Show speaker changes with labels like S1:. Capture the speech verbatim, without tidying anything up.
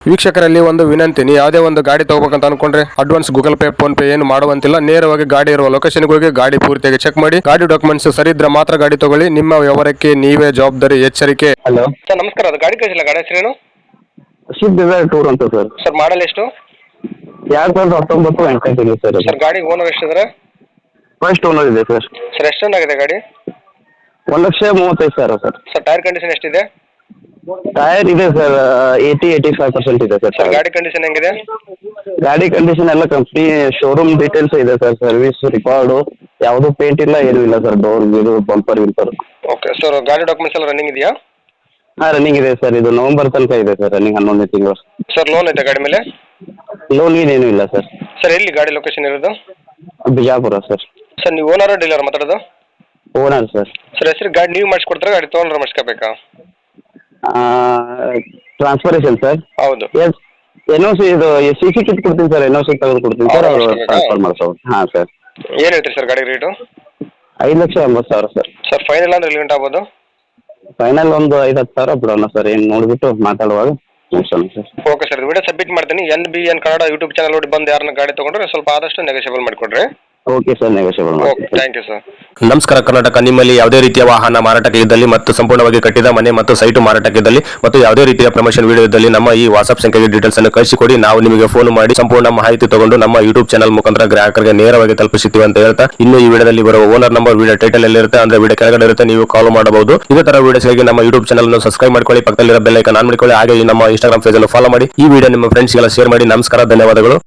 S1: ವೀಕ್ಷಕರಲ್ಲಿ ಒಂದು ವಿನಂತಿ, ನೀವು ಯಾವುದೇ ಒಂದು ಗಾಡಿ ತಗೋಬೇಕಂತ ಅನ್ಕೊಂಡ್ರೆ advance Google Pay PhonePe ಏನು ಮಾಡುವಂತಿಲ್ಲ. ನೇರವಾಗಿ ಗಾಡಿ ಇರುವ ಲೊಕೇಶನ್ಗೆ ಹೋಗಿ ಗಾಡಿ ಪೂರ್ತಿಯಾಗಿ ಚೆಕ್ ಮಾಡಿ, ಗಾಡಿ ಡಾಕ್ಯುಮೆಂಟ್ಸ್ ಸರಿ ಇದ್ರೆ ಮಾತ್ರ ಗಾಡಿ ತಗೊಳ್ಳಿ. ನಿಮ್ಮ ವ್ಯವಹಾರಕ್ಕೆ ನೀವೇ ಜವಾಬ್ದಾರಿ. ಎಚ್ಚರಿಕೆ.
S2: ಹಲೋ
S1: ಸರ್ ನಮಸ್ಕಾರ, ಅದು ಗಾಡಿ ಕಳಿಸಿಲ್ಲ, ಗಾಡಿ ಹೆಸರೇನು?
S2: ಶಿಫ್ಟ್ ಡಿಸೈರ್ ಟೂರ್ ಅಂತ ಸರ್.
S1: ಸರ್ ಮಾಡಲ್ ಎಷ್ಟು?
S2: ಎರಡು ಸಾವಿರದ ಹತ್ತೊಂಬತ್ತು ಎಂಟು ಸರ್.
S1: ಸರ್ ಗಾಡಿ ಓನರ್ ಎಷ್ಟಿದ್ರೆ?
S2: ಫಸ್ಟ್ ಓನರ್ ಇದೆ ಸರ್.
S1: ಸರ್ ಎಷ್ಟು ಆಗಿದೆ ಗಾಡಿ?
S2: ಒಂದು ಲಕ್ಷ ಮೂವತ್ತೈದು ಸಾವಿರ ಸರ್.
S1: ಸರ್ ಟೈರ್ ಕಂಡೀಷನ್ ಎಷ್ಟಿದೆ?
S2: ಟೈರ್ ಇದೆ sir, eighty eighty five percent ಇದೆ ಸರ್.
S1: ಸರ್ ಗಾಡಿ ಕಂಡೀಷನ್ ಹೆಂಗಿದೆ?
S2: ಗಾಡಿ ಕಂಡೀಷನ್ ಎಲ್ಲ ಕಂಪ್ನಿ ಶೋರೂಮ್ ಡೀಟೇಲ್ಸ್ ಇದೆ ಸರ್. ಸರ್ವಿಸ್ ರಿಕಾರ್ಡು ಯಾವುದು ಪೇಂಟ್ ಇಲ್ಲ, ಏನೂ ಇಲ್ಲ ಸರ್. ಡೋರ್ ಇದು ಬಂಪರ್ ವಿಂಪರ್.
S1: ಓಕೆ ಸರ್, ಗಾಡಿ ಡಾಕ್ಯುಮೆಂಟ್ಸ್ ಎಲ್ಲ ರನ್ನಿಂಗ್ ಇದೆಯಾ?
S2: ಹಾಂ ರನ್ನಿಂಗ್ ಇದೆ ಸರ್. ಇದು ನವಂಬರ್ ತನಕ ಇದೆ ಸರ್ ರನ್ನಿಂಗ್, ಹನ್ನೊಂದನೇ ತಿಂಗಳು.
S1: ಸರ್ ಲೋನ್ ಐತೆ ಗಾಡಿ ಮೇಲೆ?
S2: ಲೋನ್ ಏನೂ ಇಲ್ಲ ಸರ್.
S1: ಸರ್ ಎಲ್ಲಿ ಗಾಡಿ ಲೊಕೇಶನ್ ಇರೋದು?
S2: ಬಿಜಾಪುರ ಸರ್.
S1: ಸರ್ ನೀವು ಓನರ್ ಡೀಲರ್ ಮಾತಾಡೋದು?
S2: Owner sir.
S1: ಸರ್ ಹೆಸರು ಗಾಡಿ ನೀವು ಮಾಡಿಸ್ಕೊಡ್ತಾರೆ, ಗಾಡಿ ತೊಗೊಂಡ್ರೆ ಮಾಡಿಸ್ಕೋಬೇಕಾ?
S2: Transferation sir.
S1: ಹೌದು.
S2: ಎಸ್ ಎನ್ ಓ ಸಿ ಇದು ಸಿ ಸಿ ಕಿಟ್ ಕೊಡ್ತೀನಿ ಸರ್. ಎನ್ ಓ ಸಿ ತೆಗೆದು ಕೊಡ್ತೀನಿ ಸರ್, ಅವರು ಟ್ರಾನ್ಸ್ಫರ್ ಮಾಡ್ಸೋದು. ಹಾಂ ಸರ್.
S1: ಏನು ಹೇಳ್ತೀರಿ ಸರ್ ಗಾಡಿ ರೇಟು?
S2: ಐದು ಲಕ್ಷ ಎಂಬತ್ತು ಸಾವಿರ ಸರ್.
S1: ಸರ್ ಫೈನಲ್ ಅಂದ್ರೆ ಎಲ್ಲಿ ಗಂಟೆ ಆಗ್ಬೋದು?
S2: ಫೈನಲ್ ಒಂದು ಐದು ಹತ್ತು ಸಾವಿರ ಬಿಡೋಣ ಸರ್. ಏನು ನೋಡಿಬಿಟ್ಟು ಮಾತಾಡುವಾಗ ಮುಗಿಸೋಣ sir.
S1: Okay sir, video submit ಮಾಡ್ತೀನಿ. N B N Kannada YouTube channel ನೋಡಿ ಬಂದು ಯಾರನ್ನ ಗಾಡಿ ತೊಗೊಂಡ್ರೆ ಸ್ವಲ್ಪ ಆದಷ್ಟು ನೆಗೋಷಿಯಬಲ್ ಮಾಡಿಕೊಡ್ರಿ.
S2: ಓಕೆ ಸರ್, ನೆಗೋಷಿಯಬಲ್
S1: ಓಕೆ,
S2: ಮಾಡಿ.
S1: Thank you sir.
S3: ನಮಸ್ಕಾರ ಕರ್ನಾಟಕ. ನಿಮ್ಮಲ್ಲಿ ಯಾವುದೇ ರೀತಿಯ ವಾಹನ ಮಾರಾಟಕ್ಕೆ ಇದ್ದಲ್ಲಿ ಮತ್ತು ಸಂಪೂರ್ಣವಾಗಿ ಕಟ್ಟಿದ ಮನೆ ಮತ್ತು ಸೈಟು ಮಾರಾಟಕ್ಕೆ ಇದ್ದಲ್ಲಿ ಮತ್ತು ಯಾವುದೇ ರೀತಿಯ ಪ್ರಮೋಷನ್ ವಿಡಿಯೋ ಇದ್ದಲ್ಲಿ ನಮ್ಮ ಈ ವಾಟ್ಸ್ಆಪ್ ಸಂಖ್ಯೆಗೆ ಡೀಟೇಲ್ಸ್ ಅನ್ನು ಕಳಿಸಿಕೊಡಿ. ನಾವು ನಿಮಗೆ ಫೋನ್ ಮಾಡಿ ಸಂಪೂರ್ಣ ಮಾಹಿತಿ ತಗೊಂಡು ನಮ್ಮ ಯೂಟ್ಯೂಬ್ ಚಾನಲ್ ಮುಖಾಂತರ ಗ್ರಾಹಕರಿಗೆ ನೇರವಾಗಿ ತಲುಪಿಸುತ್ತೀವಿ ಅಂತ ಹೇಳ್ತಾ, ಇನ್ನು ಈ ವಿಡಿಯೋದಲ್ಲಿ ಬರುವ ಓನರ್ ನಂಬರ್ ವಿಡಿಯೋ ಟೈಟಲ್ ಎಲ್ಲಿರುತ್ತೆ ಅಂದ್ರೆ ವಿಡಿಯೋ ಕೆಳಗಡೆ ಇರುತ್ತೆ, ನೀವು ಕಾಲ್ ಮಾಡಬಹುದು. ಇದೇ ತರ ವಿಡಿಯೋಸ್ಗಾಗಿ ನಮ್ಮ ಯೂಟ್ಯೂಬ್ ಚಾನಲ್ ಅನ್ನು ಸಬ್ಸ್ಕ್ರೈಬ್ ಮಾಡ್ಕೊಳ್ಳಿ, ಪಕ್ಕದಲ್ಲಿರೋ ಬೆಲ್ ಐಕಾನ್ ಆನ್ ಮಾಡಿಕೊಳ್ಳಿ. ಹಾಗೆ ನಮ್ಮ ಇನ್ಸ್ಟಾಗ್ರಾಮ್ ಪೇಜ್ ಅನ್ನು ಫಾಲೋ ಮಾಡಿ. ಈ ವಿಡಿಯೋ ನಿಮ್ಮ ಫ್ರೆಂಡ್ಸ್ಗೆಲ್ಲ ಶೇರ್ ಮಾಡಿ. ನಮಸ್ಕಾರ, ಧನ್ಯವಾದಗಳು.